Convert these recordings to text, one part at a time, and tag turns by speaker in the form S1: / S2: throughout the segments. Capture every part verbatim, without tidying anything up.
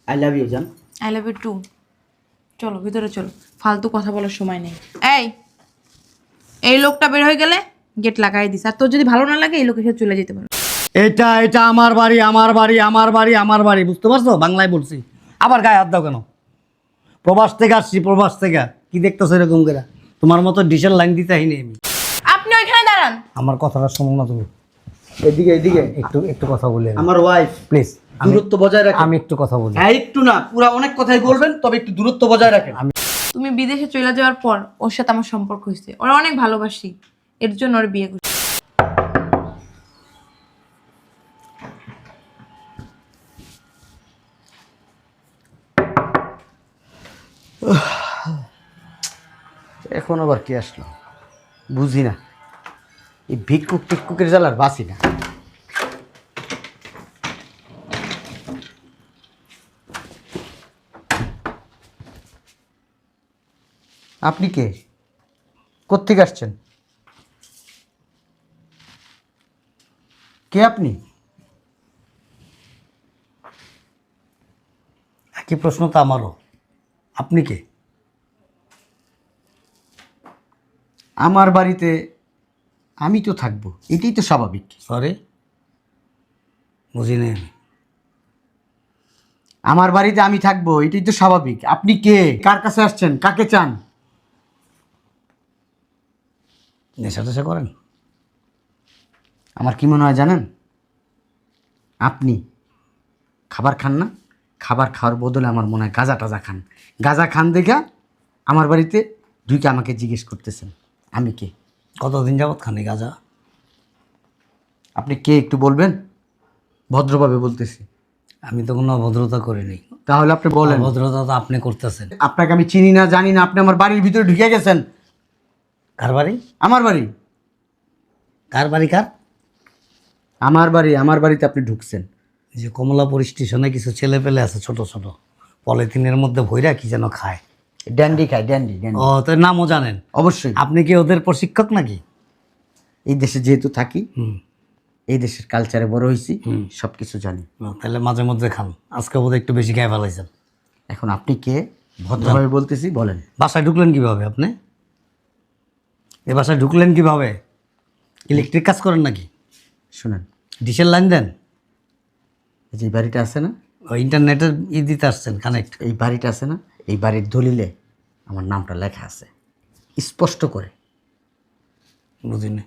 S1: I love you জান।
S2: I love you too. চলো ভিতরে চলো, ফালতু কথা বলার সময় নেই। এই এই লোকটা বের হয়ে গেলে গেট লাগাই দিস, আর তোর যদি ভালো না লাগে এই লোকের সাথে চলে যেতে পারো।
S3: এটা এটা আমার বাড়ি, আমার বাড়ি, আমার বাড়ি, আমার বাড়ি, বুঝতে পারছো? বাংলায় বলছি, আবার গায়ে হাত দাও কেন? প্রবাস থেকে আসছি, প্রবাস থেকে। কি দেখতেছো এরকম করে? তোমার মতো ডিসেল লাইন দিতে হয়নি আমি।
S2: আপনি ওইখানে দাঁড়ান।
S3: আমার কথাটা শোনো না তুমি,
S1: এদিকে এদিকে
S3: একটু একটু কথা বলি।
S1: আমার ওয়াইফ,
S3: প্লিজ
S1: দূরত্ব বজায় রাখেন।
S3: আমি একটু কথা বলি।
S1: হ্যাঁ একটু না, পুরা অনেক কথাই বলবেন, তবে একটু দূরত্ব বজায় রাখেন।
S2: তুমি বিদেশে চলে যাওয়ার পর ওর সাথে আমার সম্পর্ক হয়েছে, ওরা অনেক ভালোবাসি, এর জন্য ওর বিয়ে করছি।
S1: এখন আবার কি আসলো বুঝি না, এই ভিক্ষুক টিক্ষুকের জ্বালার বাসি না। আপনি কে? কোত্থেকে আসছেন? কে আপনি?
S3: একই প্রশ্ন তো আমারও। আপনি কে?
S1: আমার বাড়িতে আমি তো থাকবো, এটাই তো স্বাভাবিক।
S3: সরি, বুঝিনি আমি।
S1: আমার বাড়িতে আমি থাকবো, এটাই তো স্বাভাবিক। আপনি কে? কার কাছে আসছেন? কাকে চান?
S3: নেশা টেশা করেন?
S1: আমার কি মনে হয় জানেন, আপনি খাবার খান না, খাবার খাওয়ার বদলে আমার মনে হয় গাঁজা টাজা খান। গাঁজা খান দেখা আমার বাড়িতে ঢুকে আমাকে জিজ্ঞেস করতেছেন আমি কে।
S3: কতদিন যাবৎ খানি গাঁজা?
S1: আপনি কে একটু বলবেন? ভদ্রভাবে বলতেছি।
S3: আমি তো কোনো অভদ্রতা করিনি।
S1: তাহলে আপনি বলেন।
S3: অভদ্রতা তো আপনি করতেছেন।
S1: আপনাকে আমি চিনি না, জানি না, আপনি আমার বাড়ির ভিতরে ঢুকে গেছেন।
S3: কার বাড়ি?
S1: আমার বাড়ি।
S3: কার বাড়ি কার?
S1: আমার বাড়ি, আমার বাড়িতে আপনি ঢুকছেন।
S3: এই যে কমলাপুর স্টেশনে কিছু ছেলে পেলে আছে ছোট ছোট, পলিথিনের মধ্যে ভইরা কি যেন খায়।
S1: ড্যান্ডি খায়, ড্যান্ডি ড্যান্ডি।
S3: ও, তো নামও জানেন?
S1: অবশ্যই।
S3: আপনি কি ওদের প্রশিক্ষক নাকি?
S1: এই দেশে যেহেতু থাকি,
S3: হুম।
S1: এই দেশের কালচারে বড় হয়েছি,
S3: হুম।
S1: সব কিছু জানি।
S3: ও, তাহলে মাঝে মধ্যে খান। আজকে বোধহয় একটু বেশি খেয়ে ফেলাইছেন।
S1: এখন আপনি কে? ভদ্রভাবে বলতেছি, বলেন।
S3: বাসায় ঢুকলেন কিভাবে আপনি? এ বাসায় ঢুকলেন কিভাবে? ইলেকট্রিক কাজ করেন নাকি?
S1: শুনেন,
S3: ডিসেল লাইন দেন?
S1: এই যে এই বাড়িটা আছে না,
S3: ও, ইন্টারনেটের ই দিতে আসছেন, কানেক্ট?
S1: এই বাড়িটা আছে না, এই বাড়ির দলিলে আমার নামটা লেখা আছে স্পষ্ট করে।
S3: বুঝিনি।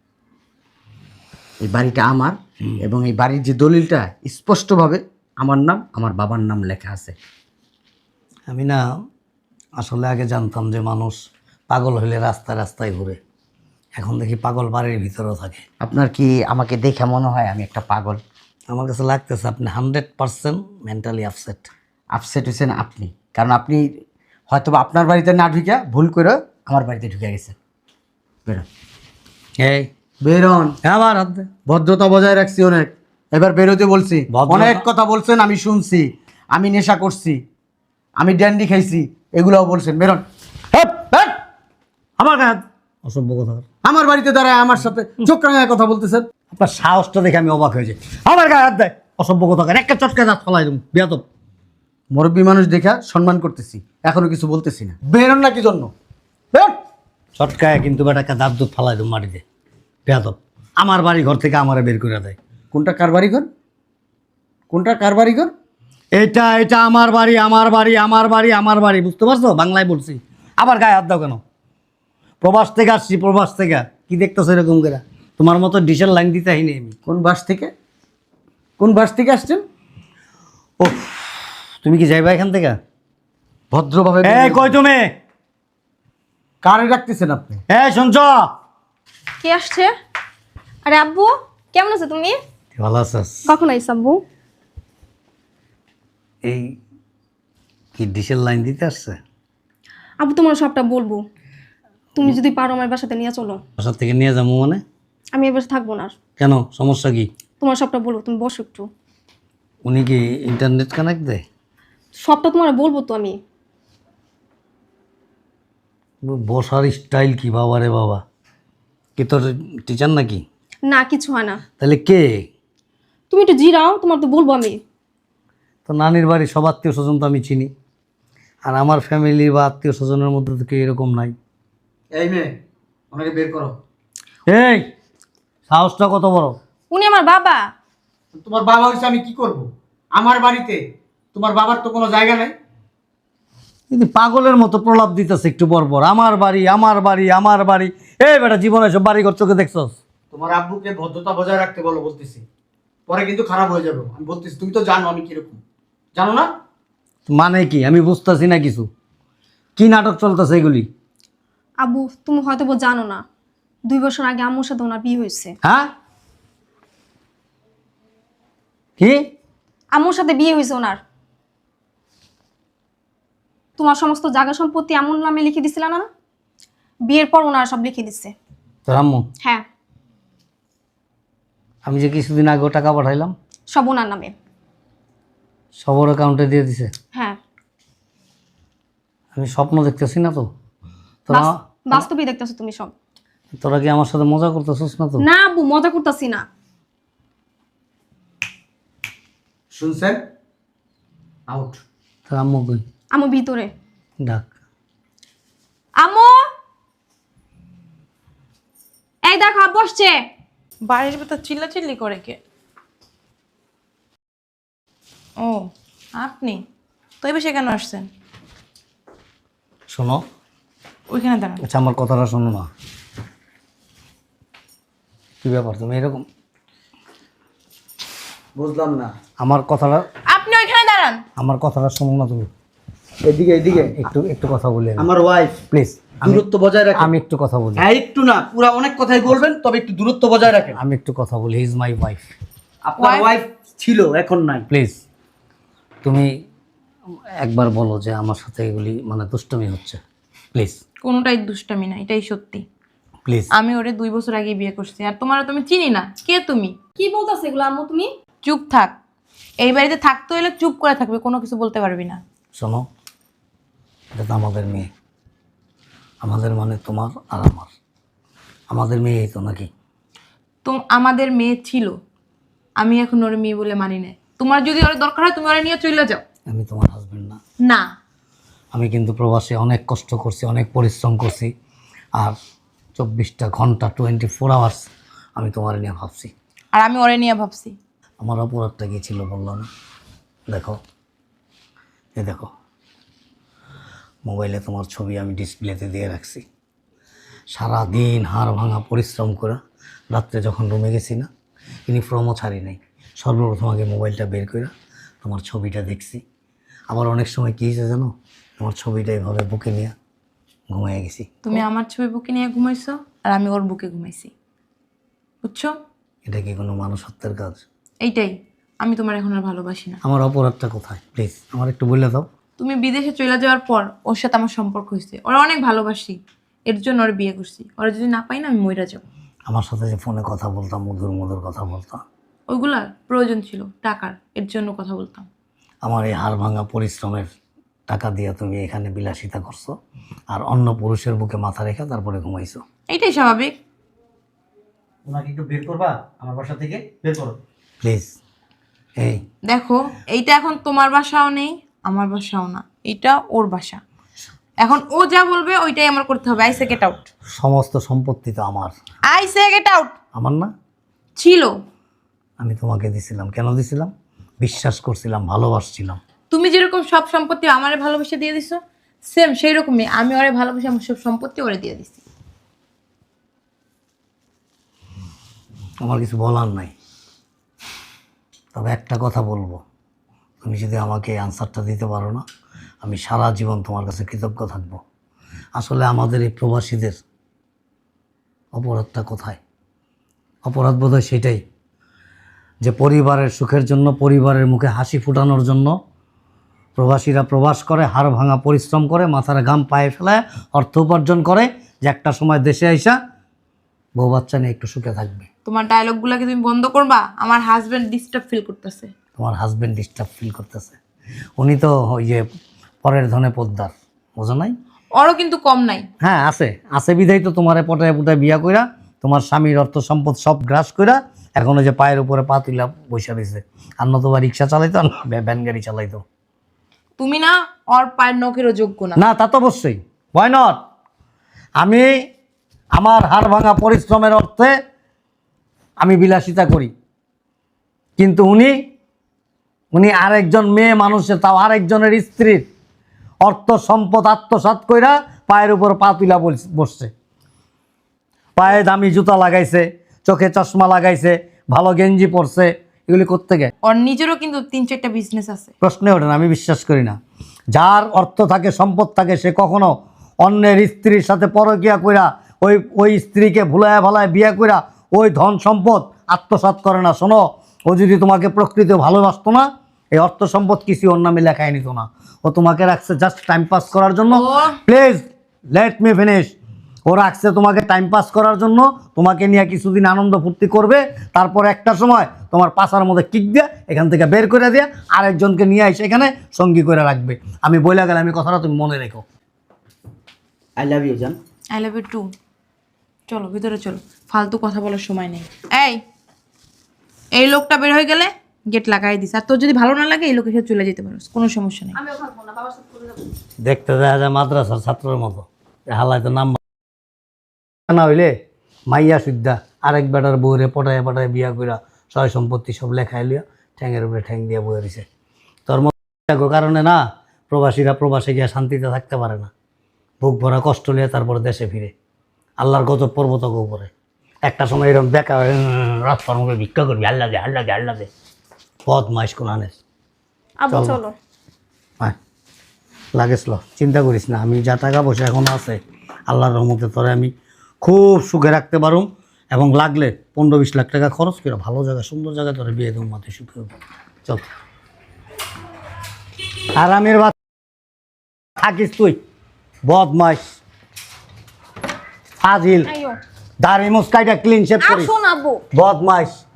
S1: এই বাড়িটা আমার, এবং এই বাড়ির যে দলিলটা স্পষ্টভাবে আমার নাম, আমার বাবার নাম লেখা আছে।
S3: আমি না আসলে আগে জানতাম যে মানুষ পাগল হইলে রাস্তায় রাস্তায় ঘুরে, এখন দেখি পাগল বাড়ির ভিতরেও থাকে।
S1: আপনার কি আমাকে দেখে মনে হয় আমি একটা পাগল?
S3: আমার কাছে লাগতেছে আপনি hundred percent mentally upset.
S1: Upset হয়েছেন আপনি, কারণ আপনি হয়তো বা আপনার বাড়িতে না ঢুকে ভুল করে আমার বাড়িতে ঢুকে গেছেন। বেরোন,
S3: এই
S1: বেরোন।
S3: আবার হাত দে।
S1: ভদ্রতা বজায় রাখছি অনেক, এবার বেরোতে বলছি।
S3: ভদ্রতা-
S1: অনেক কথা বলছেন, আমি শুনছি। আমি নেশা করছি, আমি ড্যান্ডি খাইছি, এগুলোও বলছেন। বেরোন। হেপ, হেপ।
S3: আমার গায়ে হাত। অসভ্য কথা।
S1: আমার বাড়িতে দাঁড়ায় আমার সাথে চোখ রাঙায় কথা বলতেছেন।
S3: আপনার সাহসটা দেখে আমি অবাক হয়ে যাই। আমার গায়ে হাত দেয়, অসভ্য কথা। একটা চটকে দাঁত ফলাই দেবো, বেয়াদব।
S1: মুরব্বী মানুষ দেখা সম্মান করতেছি, এখনো কিছু বলতেছি না। বেরোন না কি জন্য? বেরোন।
S3: চটকায় কিন্তু বেটাকে দাঁত দুধ ফালাই দেবো মাটিতে, বেয়াদব। আমার বাড়ি ঘর থেকে আমারে বের করে দেয়।
S1: কোনটা কার বাড়ি ঘর? কোনটা কার বাড়ি ঘর?
S3: এটা এটা আমার বাড়ি, আমার বাড়ি, আমার বাড়ি, আমার বাড়ি, বুঝতে পারছো? বাংলায় বলছি, আবার গায়ে হাত দাও কেন? প্রবাস থেকে আসছি, প্রবাস থেকে। কি দেখতেছো এরকম করে? তোমার মতো ডিসেল লাইন দিতে হয়নি আমি।
S1: কোন বাস থেকে? কোন বাস থেকে আসছেন?
S3: ও, তুমি কি যাইবা এখান থেকে?
S1: ভদ্রভাবে
S3: এই কই তুমি?
S1: কারে রাখতেছেন আপনি?
S3: এই শুনছ?
S4: কে আসছে? আরে আব্বু, কেমন আছো তুমি?
S3: ভালো আছিস?
S4: কখন আইস আব্বু?
S3: এই কি ডিসেল লাইন দিতে আসছে?
S4: আব্বু তোমার সবটা বলবো, তুমি যদি পারো আমার বাসাতে নিয়ে চলো।
S3: বাসার থেকে নিয়ে যাবো মানে?
S4: আমি এবার থাকবো না আর।
S3: কেন, সমস্যা কি?
S4: তোমার সবটা বলবো, তুমি বসো একটু।
S3: উনি কি ইন্টারনেট কানেক্ট দেয়?
S4: সবটা তোমার বলবো তো আমি।
S3: বসার স্টাইল কি বাবা রে বাবা! কি তোর টিচার নাকি?
S4: না কিছু হয় না,
S3: তাহলে কে?
S4: তুমি একটু জিরাও, তোমার তো বলবো আমি।
S3: তো নানির বাড়ি সব আত্মীয় স্বজন তো আমি চিনি, আর আমার ফ্যামিলি বা আত্মীয় স্বজনের মধ্যে তো কেউ এরকম নাই।
S1: এই মেয়ে, ওনাকে বের করো।
S3: এই সাহসটা কত বড়!
S4: উনি আমার বাবা।
S1: তোমার বাবা হয়েছে, আমি কি করব? আমার বাড়িতে তোমার বাবার তো কোনো জায়গা নাই।
S3: কিন্তু পাগলের মতো প্রলাপ দিতেছে একটু পর পর, আমার বাড়ি আমার বাড়ি আমার বাড়ি। এই বেটা, জীবনে সব বাড়ি ঘর চোখে দেখছস?
S1: তোমার আব্বুকে ভদ্রতা বজায় রাখতে বলো, বলতেছি, পরে কিন্তু খারাপ হয়ে যাবে। আমি বলতেছি, তুমি তো জানো আমি কিরকম, জানো না?
S3: মানে কি আমি বুঝতেছি না কিছু, কি নাটক চলতেছে এগুলি?
S4: আব্বু তুমি হয়তো বা জানো না, দুই বছর আগে আম্মুর সাথে ওনার বিয়ে হয়েছে।
S3: হ্যাঁ কি?
S4: আম্মুর সাথে বিয়ে হয়েছে ওনার। তোমার সমস্ত জায়গা সম্পত্তি আম্মুর নামে লিখে দিছিল না? বিয়ের পর ওনারা সব লিখে দিচ্ছে।
S3: তোর আম্মু?
S4: হ্যাঁ,
S3: আমি যে কিছুদিন আগেও টাকা পাঠাইলাম
S4: সব ওনার নামে।
S3: সবর অ্যাকাউন্টে দিয়ে দিছে।
S4: হ্যাঁ,
S3: আমি স্বপ্ন দেখতেছি না তো? তোরা
S4: বাস- বাস্তবেই দেখতেছো তুমি সব।
S3: তোরা কি আমার সাথে মজা করতেছিস না তো?
S4: না আব্বু, মজা করতেছি না।
S1: শুনছেন? আউট।
S3: তোর আম্মু কই?
S4: আম্মু ভিতরে।
S3: ডাক।
S4: আম্মু, এই দেখো আব্বু আসছে।
S2: বাড়ির ভেতর চিল্লাচিল্লি করে কে? ও আপনি তো এই বেশি কেন আসছেন?
S3: শোনো,
S2: ওইখানে দাঁড়ান।
S3: আচ্ছা আমার কথাটা শোনো না। কি ব্যাপার তুমি এরকম?
S1: বুঝলাম না।
S3: আমার কথাটা
S2: আপনি ওইখানে দাঁড়ান।
S3: আমার কথাটা শোনো না তুমি।
S1: এদিকে এদিকে।
S3: একটু একটু কথা বলি
S1: আমার ওয়াইফ,
S3: প্লিজ।
S1: দূরত্ব বজায় রাখেন।
S3: আমি একটু কথা বলি।
S1: হ্যাঁ, একটু না, পুরো অনেক কথাই বলবেন, তবে একটু দূরত্ব বজায় রাখেন।
S3: আমি একটু কথা বলি। He is my wife.
S1: আপনার
S2: Wife?
S1: ওয়াইফ ছিল, এখন নাই।
S3: প্লিজ তুমি একবার বলো যে আমার সাথে এগুলি মানে দুষ্টমি হচ্ছে, প্লিজ
S2: কোনোটাই দুষ্টামি না, এটাই সত্যি।
S3: প্লিজ।
S2: আমি ওরে দুই বছর আগে বিয়ে করছি, আর তোমার তুমি চিনি না। কে তুমি?
S4: কি বলতেছে এগুলো আম্মু তুমি?
S2: চুপ থাক। এই বাড়িতে থাকতে হলে চুপ করে থাকবে, কোনো কিছু বলতে পারবি না।
S3: শোনো, এটা তো আমাদের মেয়ে, আমাদের মানে তোমার আর আমার, আমাদের মেয়েই তো নাকি?
S2: তো আমাদের মেয়ে ছিল, আমি এখন ওর মেয়ে বলে মানি না। তোমার যদি ওর দরকার হয় তুমি ওরে নিয়ে চলে যাও।
S3: আমি তোমার হাজবেন্ড না।
S2: না,
S3: আমি কিন্তু প্রবাসে অনেক কষ্ট করছি, অনেক পরিশ্রম করছি, আর চব্বিশটা ঘন্টা টোয়েন্টি ফোর আওয়ার্স আমি তোমার নিয়ে ভাবছি।
S2: আর আমি ওরে নিয়ে ভাবছি।
S3: আমার অপরাধটা কি ছিল বললাম না? দেখো, এ দেখো, মোবাইলে তোমার ছবি আমি ডিসপ্লেতে দিয়ে রাখছি। সারা দিন হাড় ভাঙা পরিশ্রম করে রাত্রে যখন রুমে গেছি না, ইউনিফর্মও ছাড়ি নাই, সর্বপ্রথম আগে মোবাইলটা বের করে তোমার ছবিটা দেখছি। আবার অনেক সময় কী হয়েছে জানো, তোমার ছবিটা এভাবে বুকে নিয়ে ঘুমিয়ে গেছি।
S2: তুমি আমার ছবি বুকে নিয়ে ঘুমাইছো, আর আমি ওর বুকে ঘুমাইছি। বুঝছো?
S3: এটা কি কোনো মানুষত্বের কাজ?
S2: এইটাই। আমি তোমার এখন আর ভালোবাসি না।
S3: আমার অপরাধটা কোথায় প্লিজ আমার একটু বলে দাও।
S2: তুমি বিদেশে চলে যাওয়ার পর ওর সাথে আমার সম্পর্ক হয়েছে, ওরা অনেক ভালোবাসি, এর জন্য ওর বিয়ে করছি। ওরা যদি না পাই না, আমি মইরা যাবো।
S3: আমার সাথে যে ফোনে কথা বলতাম, মধুর মধুর কথা বলতাম,
S2: ওইগুলার প্রয়োজন ছিল টাকার, এর জন্য কথা বলতাম।
S3: আমার এই হাড় ভাঙা পরিশ্রমের টাকা দিয়ে তুমি এখানে বিলাসিতা করছো, আর অন্য পুরুষের বুকে মাথা রেখে তারপরে ঘুমাইছো।
S2: এইটাই স্বাভাবিক।
S1: ওনাকে একটু বের করবা আমার বাসা থেকে, বের করো
S3: প্লিজ। এই
S2: দেখো, এইটা এখন তোমার বাসাও নেই, আমার বাসাও না, এটা ওর বাসা। এখন ও যা বলবে ওইটাই আমার করতে হবে। I say get out.
S3: সমস্ত সম্পত্তি তো আমার।
S2: I say get out.
S3: আমার না?
S2: ছিল।
S3: আমি তোমাকে দিছিলাম, কেন দিছিলাম? বিশ্বাস করছিলাম, ভালোবাসছিলাম।
S2: তুমি যেরকম সব সম্পত্তি আমারে ভালোবেসে দিয়ে দিছো, সেম সেই রকমই আমি ওরে ভালোবেসে আমার সব সম্পত্তি ওরে দিয়ে দিছি।
S3: আমার কিছু বলার নাই, তবে একটা কথা বলবো, তুমি যদি আমাকে এই আনসারটা দিতে পারো না, আমি সারা জীবন তোমার কাছে কৃতজ্ঞ থাকবো। আসলে আমাদের এই প্রবাসীদের অপরাধটা কোথায়? অপরাধ বোধ হয় সেটাই যে পরিবারের সুখের জন্য, পরিবারের মুখে হাসি ফোটানোর জন্য প্রবাসীরা প্রবাস করে, হাড় ভাঙা পরিশ্রম করে, মাথার ঘাম পায়ে ফেলায় অর্থ উপার্জন করে, যে একটা সময় দেশে আইসা বউ বাচ্চা নিয়ে একটু সুখে থাকবে।
S2: তোমার ডায়লগগুলোকে তুমি বন্ধ করবা। আমার হাজবেন্ড ডিস্টার্ব ফিল করতেছে।
S3: তোমার হাজবেন্ড ডিস্টার্ব ফিল করতেছে? উনি তো ওই যে পরের ধনে পদ্মার, বোঝো নাই?
S2: ওরও কিন্তু কম নাই।
S3: হ্যাঁ আছে, আছে বিধাই তো তোমারে পটায় পুটায় বিয়া কইরা তোমার স্বামীর অর্থ সম্পদ সব গ্রাস কইরা এখন ওই যে পায়ের উপরে পা তুলা বসে রয়েছে। আর নতুবা রিক্সা চালাইতো আর ভ্যান গাড়ি চালাইতো।
S2: তুমি না ওর পায়ের নখেরও যোগ্য না।
S3: না তা তো অবশ্যই, ওয়াই নট। আমি আমার হাড় ভাঙা পরিশ্রমের অর্থে আমি বিলাসিতা করি, কিন্তু উনি উনি আরেকজন মেয়ে মানুষের, তাও আরেকজনের স্ত্রীর অর্থ সম্পদ আত্মসাৎ কইরা পায়ের উপর পা তুলা বসছে। পায়ে দামি জুতা লাগাইছে, চোখে চশমা লাগাইছে, ভালো গেঞ্জি পরছে, এগুলি করতে গে
S2: ওর নিজেরও কিন্তু তিন চারটা বিজনেস আছে।
S3: প্রশ্নে ওঠে না, আমি বিশ্বাস করি না। যার অর্থ থাকে সম্পদ থাকে সে কখনো অন্যের স্ত্রীর সাথে পরকিয়া কইরা ওই ওই স্ত্রীকে ভুলায় ভালায় বিয়া কইরা ওই ধন সম্পদ আত্মসাৎ করে না। শোনো, ও যদি তোমাকে প্রকৃত ভালোবাসতো না, এই অর্থ সম্পদ কিছু ওর নামে লেখায় নিত না। ও তোমাকে রাখছে জাস্ট টাইম পাস করার জন্য।
S2: ও-
S3: প্লিজ লেট মি ফিনিশ। ও রাখছে তোমাকে টাইম পাস করার জন্য, তোমাকে নিয়ে কিছুদিন আনন্দ ফুর্তি করবে, তারপর একটা সময় তোমার পাছার মধ্যে কিক দিয়ে এখান থেকে বের করে দিয়ে আরেকজনকে নিয়ে এসে এখানে সঙ্গী করে রাখবে। আমি বইলা গেলে আমি কথাটা তুমি মনে রেখো।
S1: আই লাভ ইউ জান।
S2: I love you too. চলো ভিতরে চলো, ফালতু কথা বলার সময় নেই। এই এই লোকটা বের হয়ে গেলে গেট লাগাই দিস। আর তোর যদি ভালো না লাগে এই লোকের সাথে চলে যেতে পারো, কোনো সমস্যা নেই।
S4: আমিও থাকবো না, বাবার সাথে করে যাবো।
S3: দেখতে দেখা যায় মাদ্রাসার ছাত্রের মতো, হালাই তো নাম না হইলে মাইয়া সুদ্ধা আরেক বেটার বউরে পটায় পটায় বিয়া কইরা সয় সম্পত্তি সব লেখায় লিয়া ঠ্যাঙের উপরে ঠ্যাং দিয়ে বয়ে রয়েছে। তোর মতো কারণে না প্রবাসীরা প্রবাসে গিয়া শান্তিতে থাকতে পারে না, বুক ভরা কষ্ট নিয়ে তারপর দেশে ফিরে। আল্লাহর গজব পর্বতকে উপরে একটা সময় এরকম বেকা রাস্তার মুখে ভিক্ষা করবি, আল্লাহ দে আল্লাহ দে আল্লাহ দে। পথ মাইস কোন আনেস
S4: আব্বু
S3: চলো।
S4: চলো।
S3: হ্যাঁ লাগেছিল, চিন্তা করিস না, আমি যা টাকা পয়সা এখন আছে আল্লাহর রহমতে তোরে আমি খুব সুখে রাখতে পারুম, এবং লাগলে পনেরো বিশ লাখ টাকা খরচ করে ভালো জায়গা সুন্দর জায়গায় তোরে বিয়ে দেবো, মাতে সুখে হবো। চল আরামের বাদ থাকিস তুই, বদমাইশ ফাজিল,
S4: আইও
S3: দাড়ি মুস্কাইটা ক্লিন শেভ করিস,
S4: আসুন আব্বু।
S3: বদমাইশ।